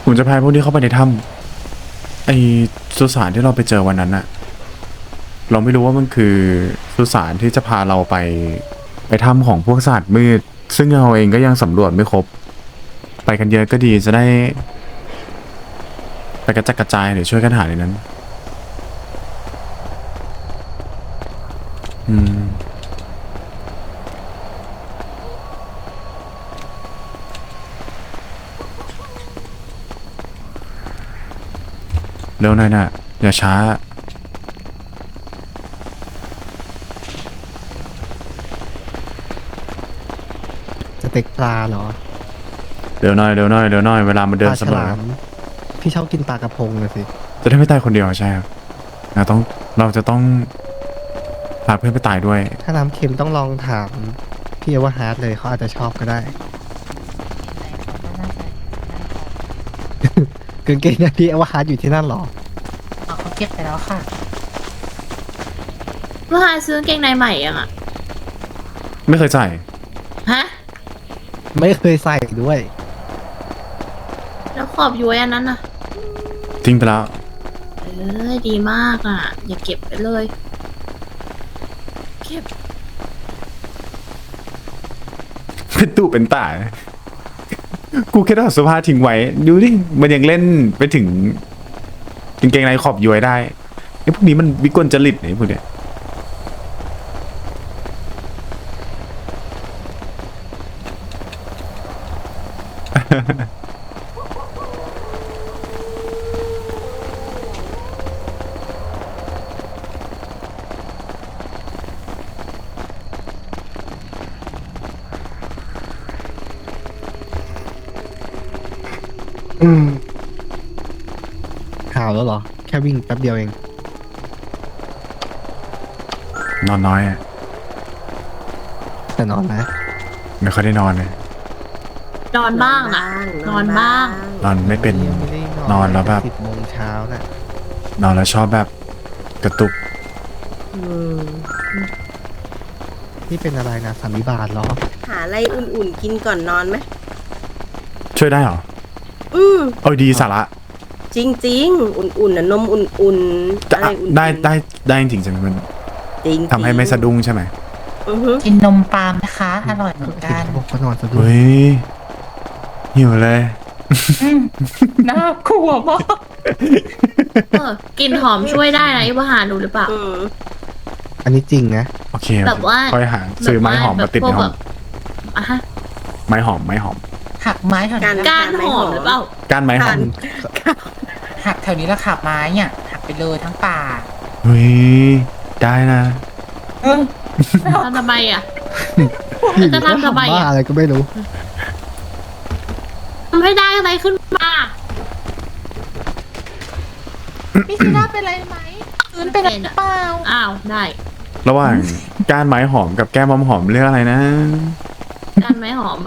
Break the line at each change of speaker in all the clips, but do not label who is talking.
ผมจะพาพวกนี้เข้าไปในถ้ำไอสุสานที่เราไปเจอวันนั้นอะเราไม่รู้ว่ามันคือสุสานที่จะพาเราไปถ้ำของพวกศาสตร์มืดซึ่งเราเองก็ยังสำรวจไม่ครบไปกันเยอะก็ดีจะได้ไปกระจัดกระจายหรือช่วยกันหาในนั้นเร็วหน่อยนะอย่าช้า
สเต็กปลาเหรอ
เร็วหน่อยเร็วหน่อยเร็วหน่อยเวลามันเดิ
ป
น
ลา
เส
ฉ
มอ
ลามพี่ชอบกินปลากระพงเลยสิ
จะได้ไม่ตายคนเดียวใช่ครับเราจะต้องพาเพื่อนไปตายด้วย
ถ้าน้ำเค็มต้องลองถามพี่เอว่าฮาร์ดเลยเขาอาจจะชอบก็ได้กางเกงในพี่เอว่าฮาร์ดอยู่ที่นั่นเหรอ
อ๋อเขาเก็บไปแล้วค่ะ
เมื่อวานซื้อกางเกงในใหม่ยังอ่ะ
ไม่เคยใส่
ฮะ
ไม่เคยใส่ด้วย
แล้วขอบย้วยอันนั้นน่ะ
ทิ้งไปแล้ว
เอ้ยดีมากอ่ะ อย่าเก็บไปเลย เก็บ
เป็นตู้เป็นตากูแค่ถอดเสื้อผ้าทิ้งไว้ ดูดิ มันยังเล่นไปถึงกางเกงในขอบย้วยได้ไอ้พวกนี้มันวิกลจริตไอ้พวกเนี้ย
ข่าวแล้วเหรอ แค่วิ่งแป๊บเดียวเอง
นอนน้อยอะ
แต่นอนนะ
ไม่ค่อยได้นอนเลย
นอนบ้างนะนอนบ้าง
นอนไม่เป็น
ยังไม่ได้
นอนแล้วแบบ
10 โมงเช้าน่ะ
นอนแล้วชอบแบบกระตุก
นี่เป็นอะไรนะสันนิบาตเหรอ
หาอะไรอุ่นๆกินก่อนนอนไหม
ช่วยได้เหรอ
อืม
เออดีสาระ
จริงๆ อุ่นๆนะนมอุ่นๆ
จะ
อะไรอุ่นๆ
ได้จริงๆใช่ไหมมัน
จริงๆ
ทำให้ไม่สะดุ้งใช่ไหม
อือฮึ
กินนมปาล์มนะคะ อร่อยเหมือนกัน
เขาบอกว่านอนสะดุ้ง
เฮ้ยหิวเลย
น่ากลัวมาก
กลิ่นหอมช่วยได้นะไอ้ว่าหาดูหรือเปล่า
อืม
อันนี้จริงนะ
โอเค
แบบว่า
ค่อยหาซื้อไม้หอมมาติดในห้อง
อ่ะฮะ
ไม้หอม
หักไม้แถวนี้
ก้านหอมหรือเปล่า
ก้านไม้หอม
หักแถวนี้แล้วขับไม้เนี่ยหักไปเลยทั้งป่า
เฮ้ยได้นะ
เออ
ทำไมอ่ะ
อยู่
จะ
ๆก็
ทำทำไม
บ้า
อ่ะ
อะไรก็ไม่รู้
ทำให้ได้อะไรขึ้นมา
พี่ซีน่าเป็นอะไรไหมพื้นเป็นอะไรหรือเปล่า
อ้าว ได้
ระหว่างก้านไม้หอมกับแก้มหอมเลือกอะไรนะ
ก้านไม้หอม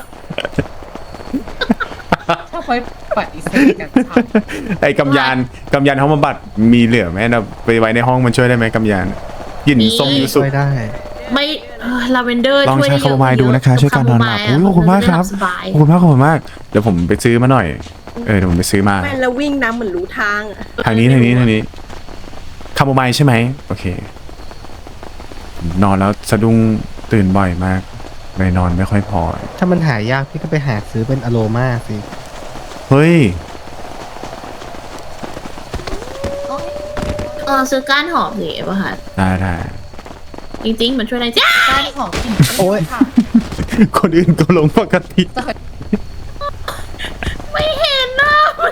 ชอบไปปฏิเสธกันชัด
ไอ้กำยานห้องบำบัดมีเหลือไหมเราไปไว้ในห้องมันช่วยได้ไหมกำยานกลิ่น
มี
ส้มยูสุ
ช่วยได้
ไม่ลาเวนเดอร์
ลอง
ช่วย
ใช้
ได้เยอะ
คาโมไมล์ดูนะคะช่วยการนอนหลับ
คา
โอ้ย
โม
ขอบคุณมากครับ
สบาย
ขอบคุณมากเดี๋ยวผมไปซื้อมาหน่อยเดี๋ยวผมไปซื้อมา
แม่แล้ววิ่งน้ำเหมือนรู้ทางอะ
ทางนี้คาโมไมล์ใช่ไหมโอเค นอนแล้วสะดุ้งตื่นบ่อยมากเลยนอนไม่ค่อยพอ
ถ้ามันหายากพี่ก็ไปหาซื้อเป็นอโรมาสิ
เฮ้ย
ซื้อก้านหอมสิว่าค่ะ
ได้
จริงๆ มันช่วยได้จ้า
ก้านของกลิ่น
โอ๊ย
ค่ะ
คนอื่นก็ลงปกติ
ไม่เห็นนะ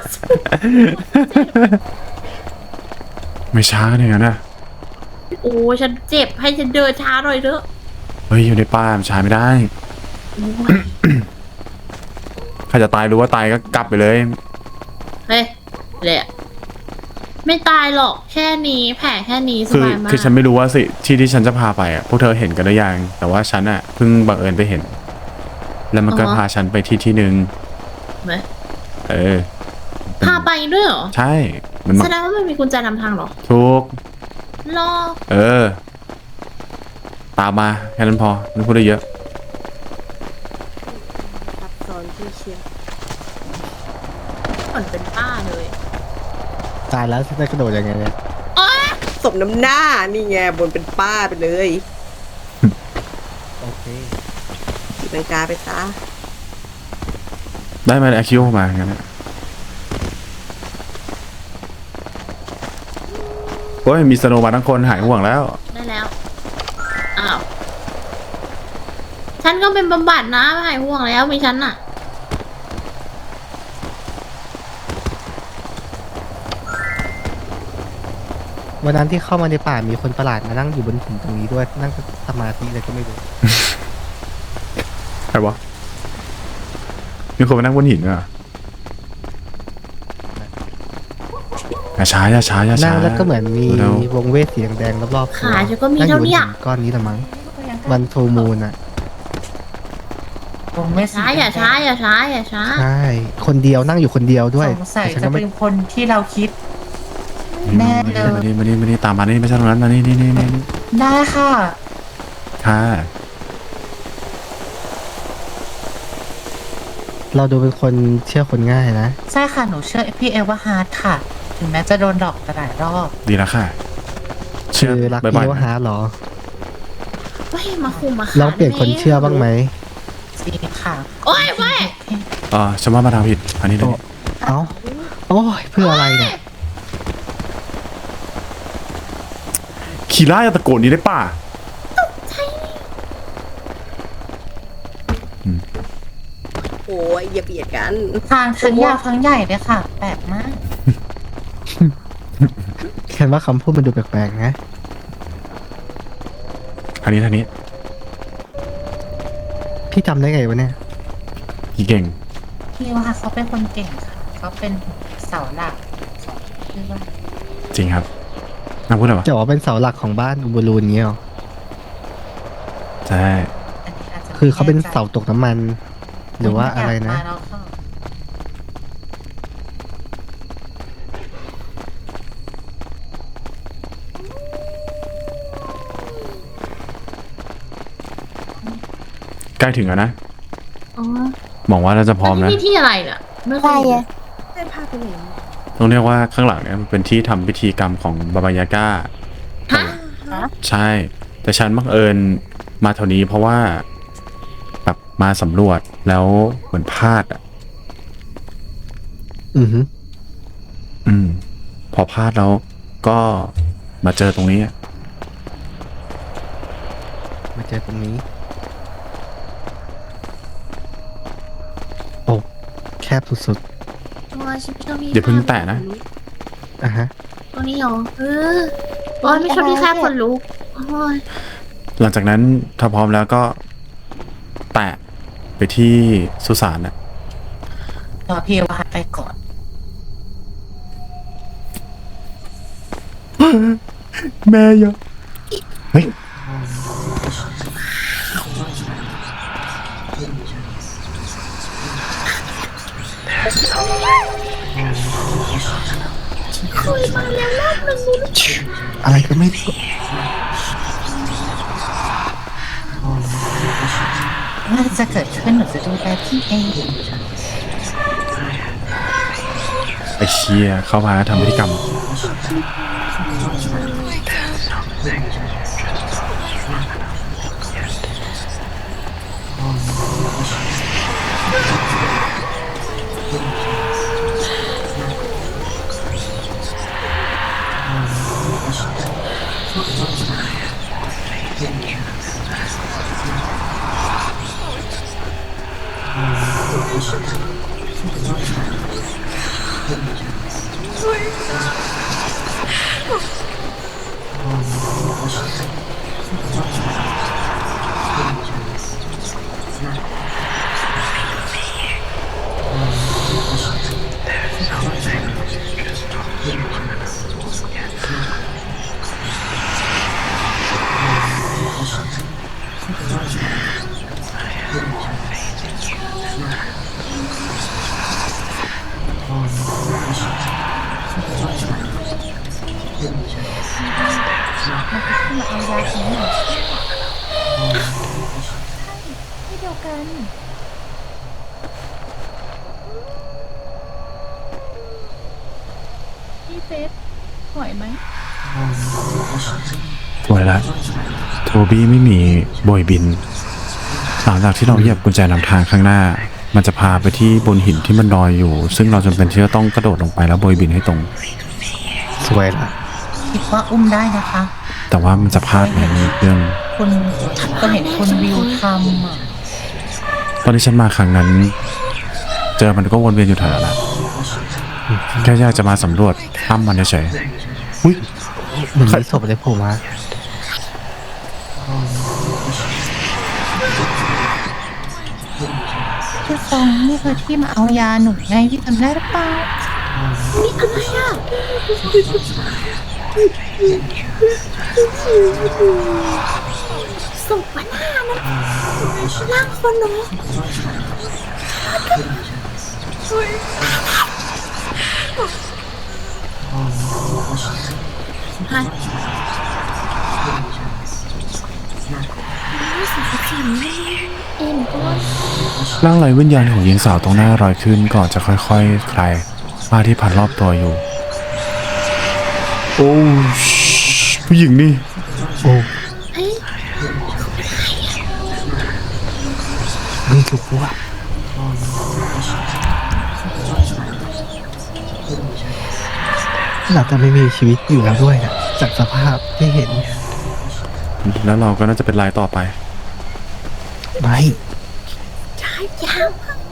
ไม่ช้าเนี่ยนะ
โอ้ฉันเจ็บให้ฉันเดินช้าหน่อยเถอะ
เฮ้ยอยู่ในป่ามันช้าไม่ได้
โอ้ย
ใครจะตายรู้ว่าตายก็กลับไปเลย
เฮ้ยแหละไม่ตายหรอกแค่นี้แผลแค่นี้สบายมาก
คือฉันไม่รู้ว่าสิที่ฉันจะพาไปอ่ะพวกเธอเห็นกันหรือยังแต่ว่าฉันอ่ะเพิ่งบังเอิญไปเห็น แล้วมันก็พาฉันไปที่หนึ่ง
ไหม
เออเป็น
พาไปด้วยเหรอ
ใช่มัน
แสดงว่ามันมีกุญแจนำทางเหรอ
ทุก
รอ
เออ ตามมาแค่นั้นพอไม่พูดได้เยอะ
ซับซ้อนที่เชียร์
เหมือนเป็นป้าเลย
ตายแล้วจะกระโดดยังไงเนี่ย
โอ๊ย
สมน้ำหน้า นี่ไงบนเป็นป้าไปเลย
โอเค
ตีลังกาไปซะ
ได้มาแอคคิวมาอย่างนั้นนะโอ้ยมีสโนว์มาทั้งคนหายห่วงแล้ว
ได้แล้ว อ้าว ฉันก็เป็นบำบัดนะไม่หายห่วงแล้วมีฉันอะ
วันนั้นที่เข้ามาในป่ามีคนประหลาดมานั่งอยู่บนหินตรงนี้ด้วยนั่งสมาธิอะไรก็ไม่รู้
ใครวะ มีคนมานั่งบนหินด้วยเหรออย่าช้าอย่าช้าอย่าช้า
นั่งแล้วก็เหมือนมี
เร็ว
วงเวทสีแดงๆรอบๆ
ขาฉันก็มี
นั่งอ
เท่า
ยู่บน
เนี้
หิ
ย
นก้อนนี้ละมั้งวันโทมูนอ่ะ
ผมไม่
ช้าอย่าช้าอย่าช้าอย่าช้า
ใช่คนเดียวนั่งอยู่คนเดียวด้วย
สงสัย
แต่ฉัน
จะ
ก็ไม่
เป็นคนที่เราคิด แน่เลย
มานี่ตามมานี่ไม่ใช่ตรงนั้นมานี่นี่
ได้ค่ะ
ค่ะ
เราดูเป็นคนเชื่อคนง่ายนะ
ใช่ค่ะ หนูเชื่อพี่เอวาฮาร์ดค่ะ ถึงแม้จะโดนดอกหลายรอบ
ดีแล้วค่ะ เชื่
คือ อรัก
บ่
พี่
อย
ว่าหาเหรอ
เว้ยมาคุมมา
ลองเปลี่ยนคนเชื่อบ้างไหม
จริงค่ะ
โอ้ยเว้ย
ฉันว่ามาทางผิด อันนี้เลย
เอ้าโอ้ยเพื่ออะไรเนี่ย
คีร่าอย่าตะโกนนี้ได้ป่ะ
โอ้ยอย่าเบียดกัน
ทางทั้งยาวทั้งใหญ่เลยค่ะ แปลกมาก
แค่ว่าคำพูดมันดูแปลกๆนะ
ทางนี้
พี่จำได้ไงวะเนี่ย
พี่เก่ง
พี่ว่าเขาเป็นคนเก่งค่ะ เขาเป็นเสาหลักของชื่อว่า
จริงครับน่าพูดอะไรวะ
จะบอกว่าเป็นเสาหลักของบ้านอุบลูนเงี้ยหรอ
ใช่
อันนี้อาจจะไม่
คือเขาเป็น
แใจ
เสาตกน้ำมัน หรือว่าอะไรนะ
มาแล้วค่ะ
ใกล้ถึงแล้วนะ
อ๋อ
หวังว่าเราจะพร้อม
อัน
นะ
นี้ที่อะไรเนี่ยไม่เคยเห็น
ได้ภาพไปไหน
ต้องเรียกว่าข้างหลังเนี่ยมันเป็นที่ทำพิธีกรรมของบาบายาก้า
ฮะ
ใช่ แต่ฉันบังเอิญมาแถวนี้เพราะว่าแบบมาสำรวจแล้วเหมือนพลาดอ่ะ
อือฮึ
พอพลาดแล้วก็มาเจอตรงนี้อะ
มาเจอตรงนี้ โอ้แคบสุด
โอ้ยฉันไม่ชอบพี่
อย่าเพิ่งแตะนะ
ๆอ่ะฮะ
ตรงนี้เหรอโอ้ยไม่ชอบพี่แค่คนลุกโอ้ย
หลังจากนั้นถ้าพร้อมแล้วก็แตะไปที่สุสานน่ะ
รอพี่เอวาฮาร์ดไปก่อน
แม่ยะเฮ้ย
อะไรก็ไม่รู้
น่าจะเกิดขึ้นหนูจะดูแลพี่เอง
ไอเชียเข้ามาทำพิธีกรรม
พ
เฟสไหวไหม
สวยละโทบี้ไม่มีโบยบิน หลังจากที่เราเหยียบกุญแจนำทางข้างหน้า มันจะพาไปที่บนหินที่มันลอยอยู่ ซึ่งเราจำเป็นที่จะต้องกระโดดลงไปแล้วโบยบินให้ตรง
สวยละ
คิดว่าอุ้มได้นะคะ
แต่ว่ามันจะพลาดในเรื่อง
คุณก็เห็นคุณวิวทำอ่ะ
ตอนที่ฉันมาครั้งนั้น เจอมันก็วนเวียนอยู่แถวนั้นแหละแค่อยากจะมาสำรวจถ้ำมันเฉยๆอุ้ย
เหมือนมีศพอะไรโผล่มา
พี่ฟองนี่คือที่มาเอายาหนูไงพี่จำได้หรือเปล่า
นี่อะไรอ่ะศพมันหน้านั้นร่างคนเนาะฮะเอ็นก็
ร่างไร้วิญญาณของหญิงสาวตรงหน้าลอยขึ้นก่อนจะค่อยๆคลายผ้าที่พันรอบตัวอยู่ โอ้ผู้หญิงนี่
โอ้
เอ้ย
ไม่รู้ว่าเราจะไม่มีชีวิตอยู่แล้วด้วยนะจากสภาพที่เห็น
แล้วเราก็น่าจะเป็นรายต่อไป
ไม่
ใช่ยาวมาก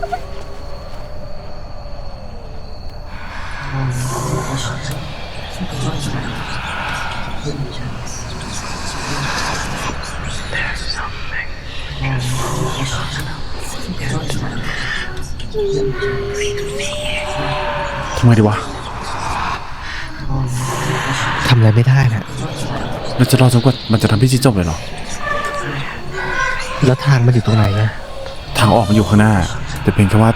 ทำไมดีวะ
ทำอะไรไม่ได้นะ
เราจะรอจนกว่ามันจะทำพิธีจบเลยเหรอ
แล้วทางมันอยู่ตรงไหนอะ
ทางออกมันอยู่ข้างหน้า แต่เพียงแค่ว่า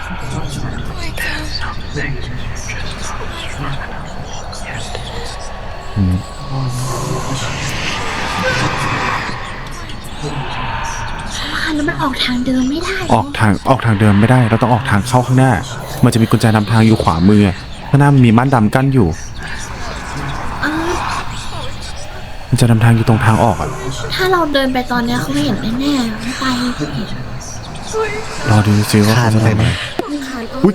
อืม
แล้วมันออกทางเดิมไม่ได้
ออกทางเดิมไม่ได้ เราต้องออกทางเข้าข้างหน้า มันจะมีกุญแจนำทางอยู่ขวามือข้างหน้ามันมีม่านดำกั้นอยู่
เออ
มันจะนำทางอยู่ตรงทางออกอ่ะ
ถ้าเราเดินไปตอนเนี้ยเขาไม่เห็นแน่ๆไม่ไป
รอดูซิว่า
คาน
เขาจะ
อะไร
ทำ
ไหม
อะไร
คาน
อุ๊ย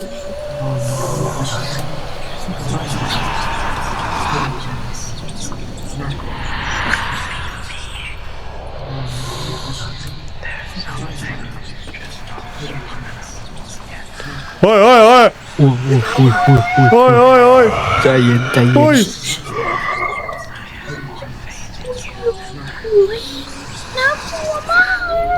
เฮ้ยเฮ้ยเฮ้ย
อุ้ยอุ้ยอุ้ยอุ้ยอุ้ย
เฮ้ยเฮ้ยเฮ้ย
ใจเย็นใจเย็
เฮ้ย
น
น่ากลัวมาก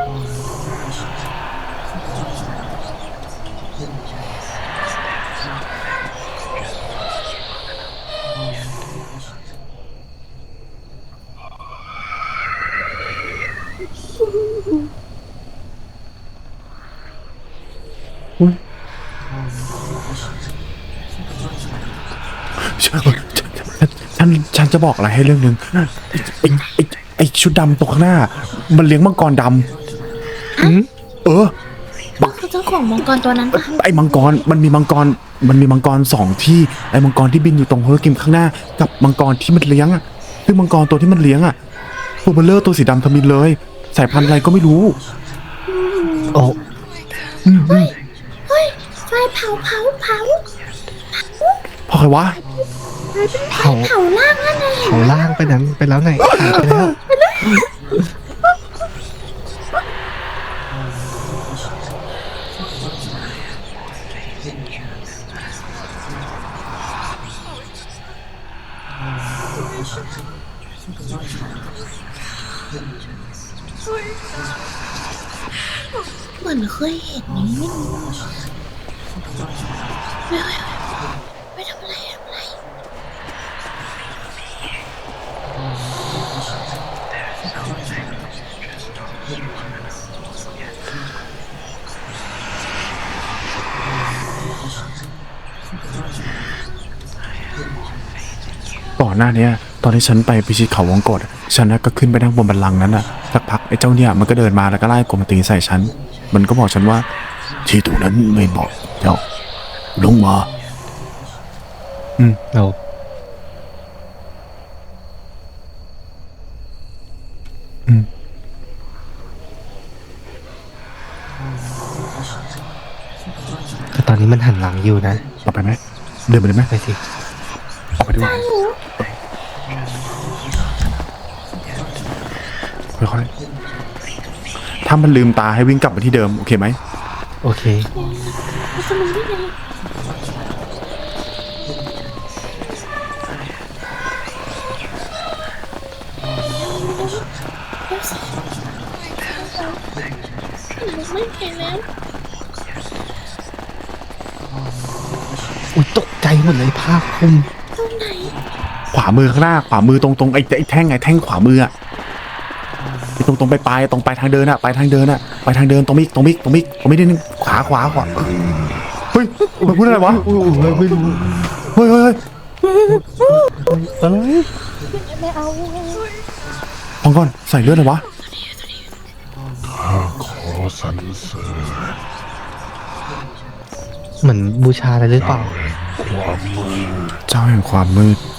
ฉันจะบอกอะไรให้เรื่องนึงไอชุดดำตรงข้างหน้า มันเลี้ยงมังกรดำเออ
ก็คือเจ้าของมังกรตัวนั้นปะ
ไอ้มังกรมันมีมังกรสองที่ไอ้มังกรที่บินอยู่ตรงโฮโลกิมข้างหน้า กับมังกรที่มันเลี้ยงอ่ะคือมังกรตัวที่มันเลี้ยงอ่ะตัวเบลเลอร์ตัวสีดำทมินเลยสายพันธุ์อะไรก็ไม่รู้
โอ้
เฮ้ยไฟเผา
พอใครวะ
เผา
เผาล่างนั่นเอง
เผาล่างไปนั้นไปแล้วไงหายไปแล้ว
เหมือนเคยเห็นนี้ไม่รู้ไม่ทำอะไร
ก่อนหน้าเนี้ยตอนที่ฉันไปพิชิตเขาวงกฏฉันน่ะก็ขึ้นไปนั่งบนบัลลังก์นั้นน่ะสักพักไอ้เจ้าเนี่ยมันก็เดินมาแล้วก็ไล่กลมตีใส่ฉันมันก็บอกฉันว่าที่ตรงนั้นไม่บอกเจ้าลงมา
เรานี้มันหันหลังอยู่นะ
เอาไปไหมเดินไปเลยไหม
ไปสิ
ออกไปดีกว่าค่อยๆถ้ามันลืมตาให้วิ่งกลับมาที่เดิมโอเคไหม
โอเค
มันจะรู้ได้ไงเดี๋ยวสิไม่เห็นแล้ว
อุ้ยตกใจหมดเลยผ้าคลุม
ตรงไหน
ขวามือข้างหน้าขวามือตรงไอ้แท่งไอ้แท่งขวามืออะไอ้ตรงไปปลายตรงไปทางเดินอะไปทางเดินอะไปทางเดินตรงมิกนิดนึงขวาเฮ้ยมันพูดอะไรวะ
ไม่รู้
เฮ้ย
อะไร
ฟังก่อนใส่เลือดเลยวะ
ขอสรรเสริญ
เหมือนบูชาอะไรหรือเปล่า
ความมืด
เจ้าแห่งความมืด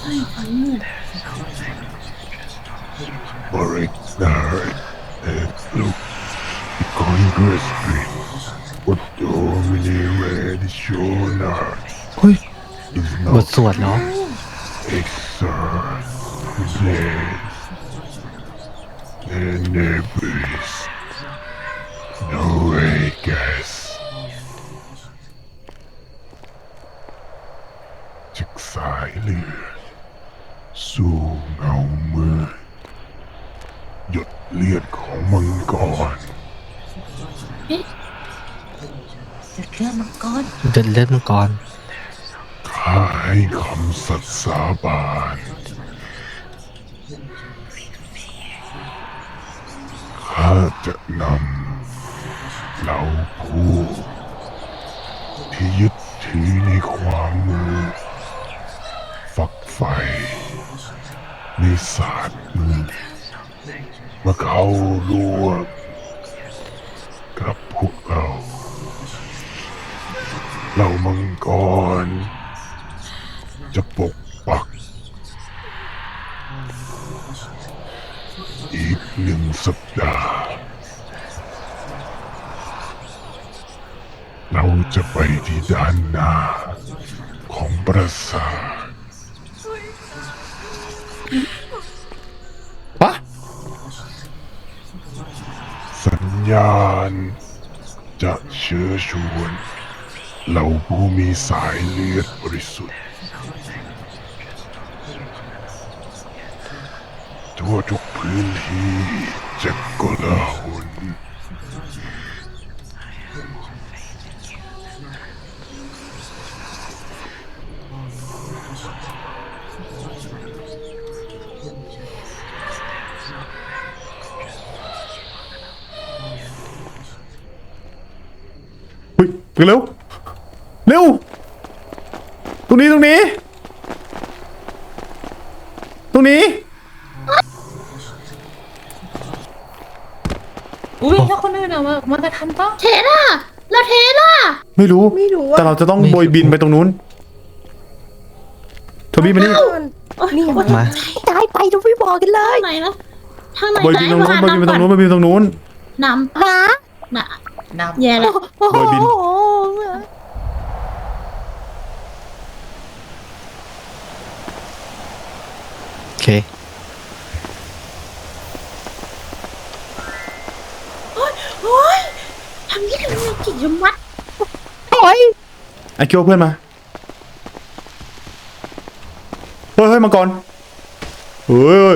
บริกนาเอ็ดลุกคอนเกรสปิดวัดโดมิเนเรดิโชนา
เฮ้ย
is
บท
not
สวดเหรอ
exert place and nebis no vegas จากสายเลือดสู่เงามืดหยดเลือดของมังกร
จุดเรื่องมังกร
เดินเลือดมังกร
ข้าให้คำสัตย์สาบานข้าจะนำเหล่าผู้ที่ยึดถือในความมืดฝักใฝ่ในศาสตร์มืดมาเข้าร่วมกับพวกเราเหล่ามังกร จะปกปัก อีก1 สัปดาห์ เราจะไปที่ด้านหน้าของปราสาท
ปะ
สัญญาณ จะเชื้อชวนเหล่าผู้มีสายเลือดบริสุทธิ์ ทั่วทุกพื้นที่จะกลาหล
เฮ้ยไปเร็วตรงนี้
อุ้ยแล้วคนอื่นอะมันจะทันปะ
เทล่ะแล้วเทล่ะ
ไม่รู้
ไม่รู้อะ
แต่เราจะต้องโบยบินไปตรงนู้นโทบี้มานี่
นี่
มา
ตายไปดูไม่บอกกันเลย
ทางไหนนะทางไหน
โบยบินตรงนู้นโบยบินไปตรงนู้นโบยบินตรงนู้น
น
ฮะ
ำน่ะ
นำ
แย่แล้ว
โอ้โห
โบยบิน
โอเค
โอ้ยทำยังไงจิตยมัด
โอ้ย
ไอคิวเพื่อนมาเฮ้ยมังกรเฮ้ย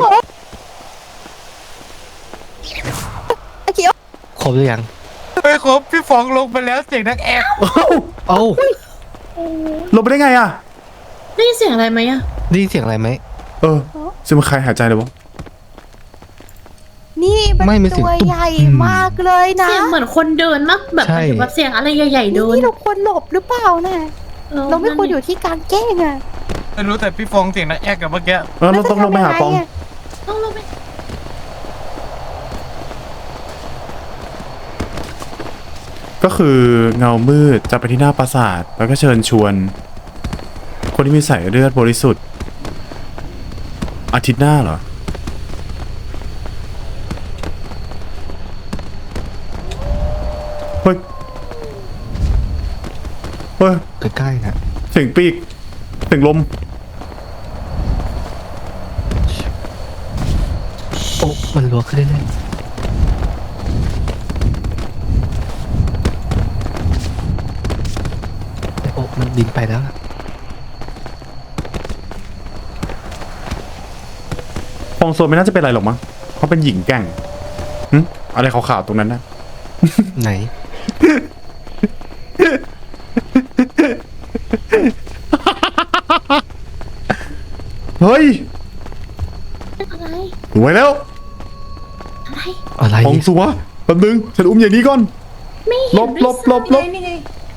ไอ้เขียว
ครบหรือยัง
ไม่ครบพี่ฟองลงไปแล้วเสียงนักแอบ
เอ้า
ลงไปได้ไงอ่ะ
ได้ยินเสียงอะไรไหมอะ
ได้ยินเสียงอะไรไหม
ซึ่งมันใครหายใจเลยวะ
นี่
ไม่
มัน
มีเสียง
ตัว
ตุ๊บ
ใหญ่มากเลยนะ
เสียงเหมือนคนเดินมากแบบ
ใช่
แบบเสียงอะไรใหญ่ๆเดิน
นี่เราควรหลบหรือเปล่าน่ะเราไม่ควรอยู่ที่กลางแจ้งอ่ะ
ไม่รู้แต่พี่ฟองเสียงนักแอบกับเมื่อกี้
เราต้องลงไปหาปอง
แล้วจะทำยังไงอะ
ต้องลงไป
ก็คือเงามืดจะไปที่หน้าปราสาทแล้วก็เชิญชวน คนที่มีสายเลือดบริสุทธิ์อาทิตย์หน้าเหรอ เฮ้ย
ใกล้นะ
เสียงปีกเสียงลม
โอ้มันรัวขึ้นเรื่อยๆโอ้มันบินไปแล้วอะ
ฟองโซนไม่น่าจะเป็นอะไรหรอกมั้งเขาเป็นหญิงแกร่งหึอะไรขาวๆตรงนั้นนะ
ไหน
เฮ้ย
อะไร
รวยแล้ว
อะไร
อะไร
ฟองสัวแป๊บนึงฉันอุ้มอย่างนี้ก่อน
ไม่
หล
เห็น
บ
ด้วย
หลบหลบหลบ
นี่ไง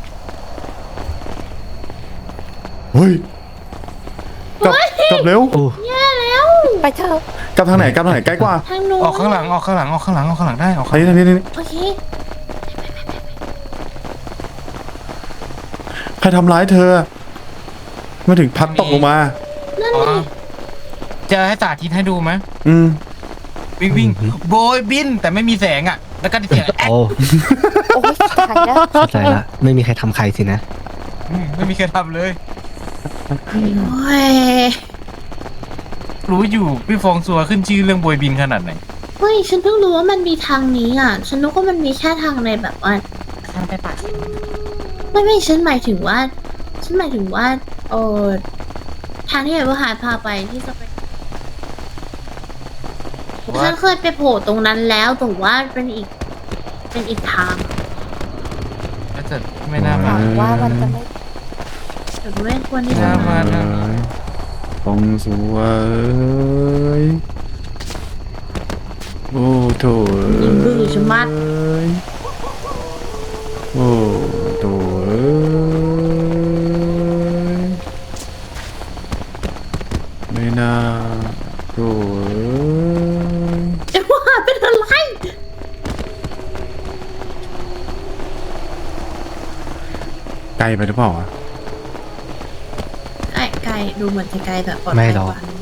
เฮ้ยกลับกลับเร็ว
โอ้
แย่แล้ว
ไปเถอะ
กลับทางไหนกลับทางไหนใกล้กว่า
ทางโน้น
ออกข้างหลังออกข้างหลังออกข้างหลังออกข้างหลังได้ออกข้างหลัง
ทางนี้ทางนี้ทางนี้
โอเค
ใครทำร้ายเธอมาถึงพัดตกลงมา
นั่น
อ๋อ
เลย
จะให้สาธิตให้ดูไหม
อืม
วิ่งวิ่งโบยบินแต่ไม่มีแสงอ่ะ แล้วก็เสียงแอ๊ก
โอ้
โอ้ยตายแล้ว
เข้าใจละไม่มีใครทำใครสินะ
ไม่มีใครทำเลย
โอ้ย
รู้อยู่พี่ฟองซัวขึ้นชื่อเรื่องโบยบินขนาดไหน
เฮ้ยฉันเพิ่งรู้ว่ามันมีทางนี้อ่ะ ฉันนึกว่ามันมีแค่ทางในแบบว่า
ทางไปป่า
ไม่ฉันหมายถึงว่า เออทางที่ไอ้ว่าหายพาไปที่จะไป
ว่า
ฉันเคยไปโผล่ตรงนั้นแล้วแต่ว่าเป็นอีกทาง
น่าจะไม่น่า
ห
มา
วังว่ามันจะไม่
แต่ไม่ควรที่
ไม่
จะ
น่า
มา
มา
ฟองสัวเอ้ยโอ้โถ
ยิงบื้อชะมัด
เอ้ยโอ้โถเอ้ยไม่น่าโถเอ้ย
ไอ้ว่าเป็นอะไร
ไกลไปหรือเปล่าอะ
ไกลดูเหมือนจะไกลแบบปลอด
ไม่
ภัย
หรอก
กว่านะ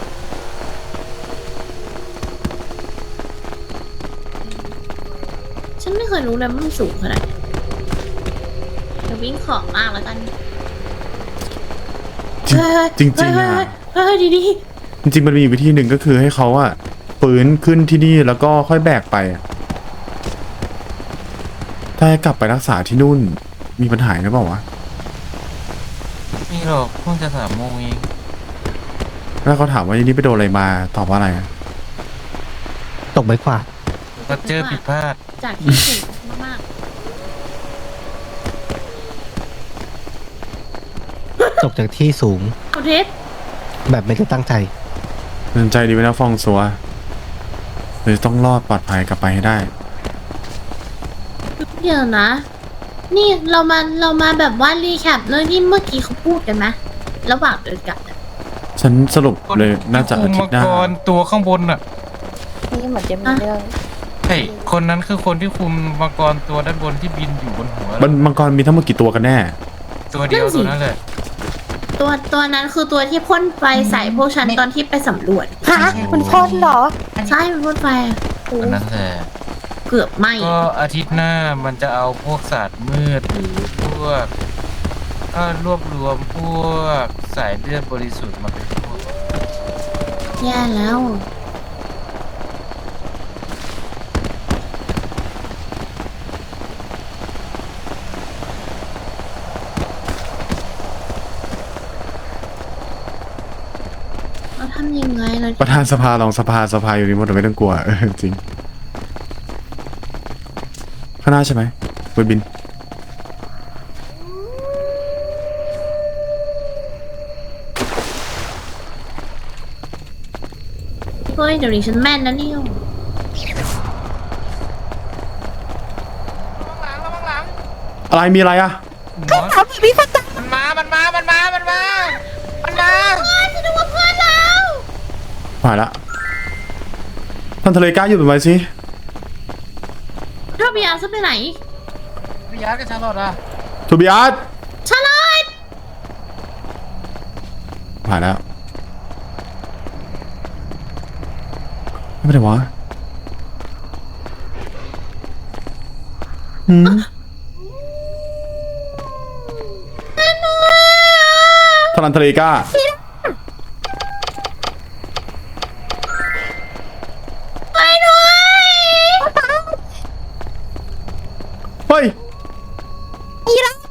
ฉันไม่เคยรู้เลยว่ามันสูงขนาดไหนจะวิ่งขอบมากแล้วกัน
จริงจริงๆอะ
เฮ้ยดี
จริงๆมันมีวิธีหนึ่งก็คือให้เขาอะฟื้นขึ้นที่นี่แล้วก็ค่อยแบกไปอะถ้าให้กลับไปรักษาที่นู่นมีปัญหาหรือเปล่าวะ
นี่หรอกเพิ่งจะ3 โมงเอง
แล้วเขาถามว่านี่ไปโดนอะไรมาตอบว่าอะไรอะ
ตกไม้กวาด
ก็เจอผิดพลาด
ๆจากที่สูงมาก
ตกจากที่สูง
ๆเอาเทส
แบบไม่ได้ตั้งใจ
เตือนใจดีไว้นะฟองซัวเลยต้องรอดปลอดภัยกลับไปให้ได้
เดี๋ยวนะ นี่เรามาแบบว่ารีแคปเรื่องที่เมื่อกี้เขาพูดกันไหมระหว่างเดินกลับอะ
ฉันสรุปเลยน่าจะอาทิตย์หน้า
คุมมังกรตัวข้างบนอ่ะ
นี่เหมือนจะมีเรื่อง
ใช่คนนั้นคือคนที่คุมมังกรตัวด้านบนที่บินอยู่บนหัว
มังกรมีทั้งหมดกี่ตัวกันแน่
ตัวเดียวตัวนั้นแหละ
ตัวนั้นคือตัวที่พ่นไฟใส่พวกฉันตอนที่ไปสำรวจ
ฮะมันพ่นเหรอ
ใช่มันพ่นไฟอะ
อันนั้นแหละ
เกือบไหม
ก็อาทิตย์หน้ามันจะเอาพวกศาสตร์มืดหรือพวกก็รวบรวมพวกสายเลือดบริสุทธิ์มาเป็นพวก
แย่แล้วเราทำยังไงเรา
ประธานสภารองสภาอยู่นี่หมดไม่ต้องกลัวจริงข้างหน้าใช่ไหมบนบิน
เฮ้ยเดี๋ยวนี้ฉันแม่นนะเนี่ย
อะไรมีอะไรอะ
หมอ
ทำแบบนี้ก็ตาย
มันมาฉันนึกว่าเพื่อนเรา
ผ่านละท่านทะเลกล้าอยู่เป็นไว้สิ
ถ้าพี่อาร์จะไปไหน
พี่ยัดกับชาลอตอ่ะ
ทูบิอาร์ต
ชาลอต
ผ่านแล้วไม่เป็นไรวะหืม
แม่หนู
ทรันทะเลกล้า
ไปด้วย
เฮ้ย
อีรักไป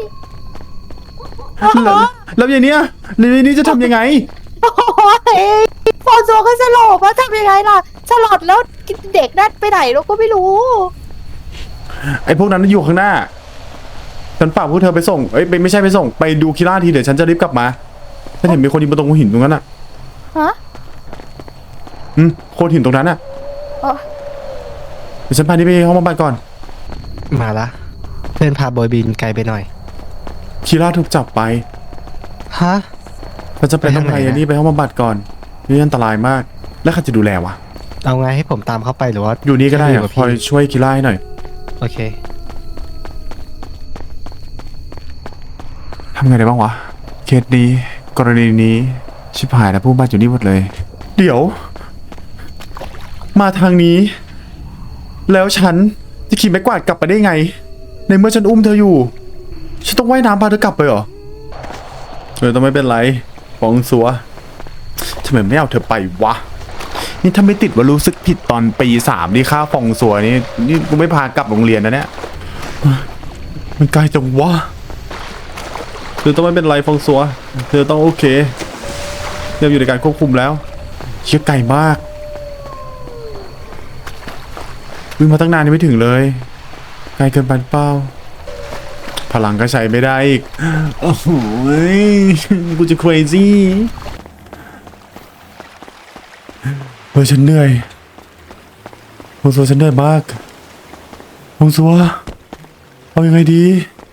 แล้วอย่างเนี้ยอย่างนี้จะทำยังไง
โอ้ยฟอนโซก็สลบแล้วทำยังไงล่ะสลบแล้วเด็กนั่นไปไหนเราก็ไม่รู้
ไอ้พวกนั้นอยู่ข้างหน้า ฉันฝากพวกเธอไปส่ง เอ้ยไม่ใช่ไปส่ง ไปดูคิล่าทีเดี๋ยวฉันจะรีบกลับมาฉันเห็นมีคนยืนบนตรงหินตรงนั้นอ่ะ
ฮะ
โคนหินตรงนั้นอ่ะ
อ๋อ
เดี๋ยวฉันพานี่ไปห้องบำบัดก่อน
มาละเพื่อนพาบอยบินไกลไปหน่อย
คิล่าถูกจับไป
ฮะ
เราจะไปต้อง
ไปทางไหน
ไปอันนี้ไปห้องบำบัดก่อนนี่อันตรายมาก แล้วใครจะดูแลวะ
เอาไงให้ผมตามเข้าไปหรือว่า
อยู่นี่ก็ได้
ให้
อะ
กับ
คอย
พี่
ช่วยคิล่าให้หน่อย
โอเค
ทำไงได้บ้างวะ เคสนี้ กรณีนี้ ชิบหายแล้วผู้บาดอยู่นี่หมดเลย เดี๋ยว มาทางนี้ แล้วฉันจะขี่ไม้กวาดกลับไปได้ไง ในเมื่อฉันอุ้มเธออยู่ ฉันต้องว่ายน้ำพาเธอกลับไปเหรอต้องไม่เป็นไรฟองซัวทำไมไม่เอาเธอไปวะ นี่ถ้าไม่ติดว่ารู้สึกผิดตอนปี 3ที่ค่าฟองซัวนี่กูไม่พากลับโรงเรียนนะเนี่ย มันไกลจังวะ เธอต้องไม่เป็นไรฟองซัวเธอต้องโอเคเริ่มอยู่ในการควบคุมแล้วเชื่อไกลมากวิ่งมาตั้งนานยังไม่ถึงเลยไกลเกินไปหรือเปล่าพลังก็ใช้ไม่ได้อีกโอ้โหกูจะ crazy เฮ้ยฉันเหนื่อยฟองซัวฉันเหนื่อยมากฟองซัวเอายังไงดี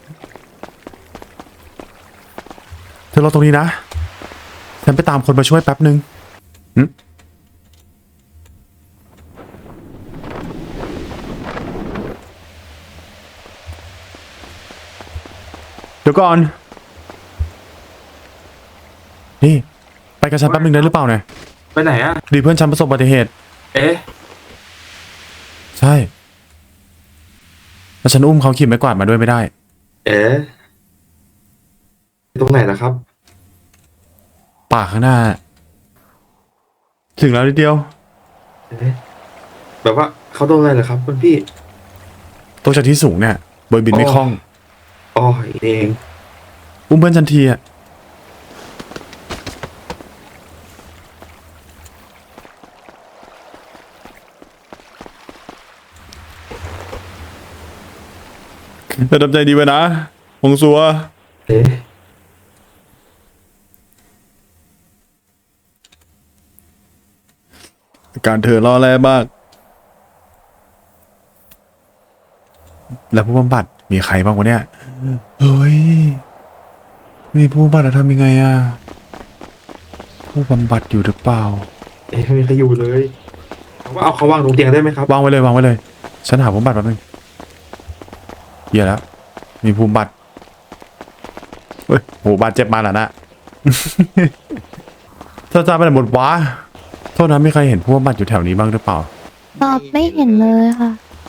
เธอรอตรงนี้นะ ฉันไปตามคนมาช่วยแป๊บหนึ่งเดี๋ยวก่อน นี่ ไปกับฉันแป๊บหนึ่งได้หรือเปล่าเนี่ย
ไปไหนอ่ะ
ดีเพื่อนฉันประสบอุบัติเหตุ
เอ๊ะ
ใช่ แล้วฉันอุ้มเขาขี่ไม้กวาดมาด้วยไม่ได้
เอ๊ะตรงไหนล่ะครับ
ป่าข้างหน้า ถึงแล้วนิดเดียว
เอ๊ะแบบว่าเขาโดนอะไรเหรอครับคุณพี่
ตกจากที่สูงเนี่ยบอยบินไม่คล่อง
อ๋อเอง
อุ้มเพื่อนฉันทีอะจะทำใจดีไว้นะฟงซัว
เอ๊ะ
การเธอรอแร่มาก แล้วผู้บำบัดมีใครบ้างวะเนี่ย เฮ้ย มีผู้บำบัดแล้วทำยังไงอะผู้บำบัดอยู่หรือเปล่า
เอ๊ะไม่มีใครอยู่เลยว่าเอาเขาวางตรงเตียงได้ไหมครับ
วางไว้เลยวางไว้เลย ฉันหาผู้บำบัดแป๊บนึงเหี้ยแล้ว มีผู้บำบัดเฮ้ยโหบาดเจ็บมาแล้วนะ ถ้าจะไปไหนหมดวะโทษนะมีใครเห็นผู้บำบัดอยู่แถวนี้บ้างหรือเปล่า
ตอบไม่เห็นเลยค่ะ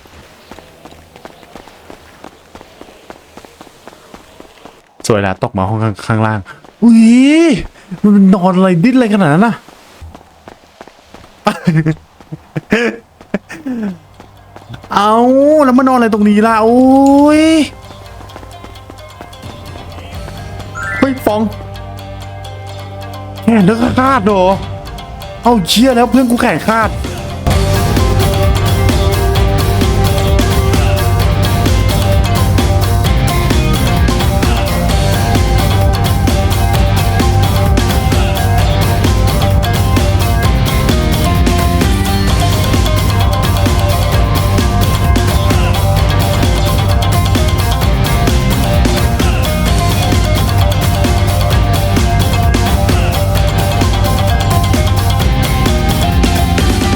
สวยแล้วตกมาห้องข้างล่าง อุ้ยมันนอนอะไรดิ้นอะไรขนาดนั้นน่ะ เอาแล้วมานอนอะไรตรงนี้ล่ะโอ้ยเฮ้ยฟองแขนเธอขาดเหรอ เอาเชี่ยแล้วเพื่อนกูแขนขาด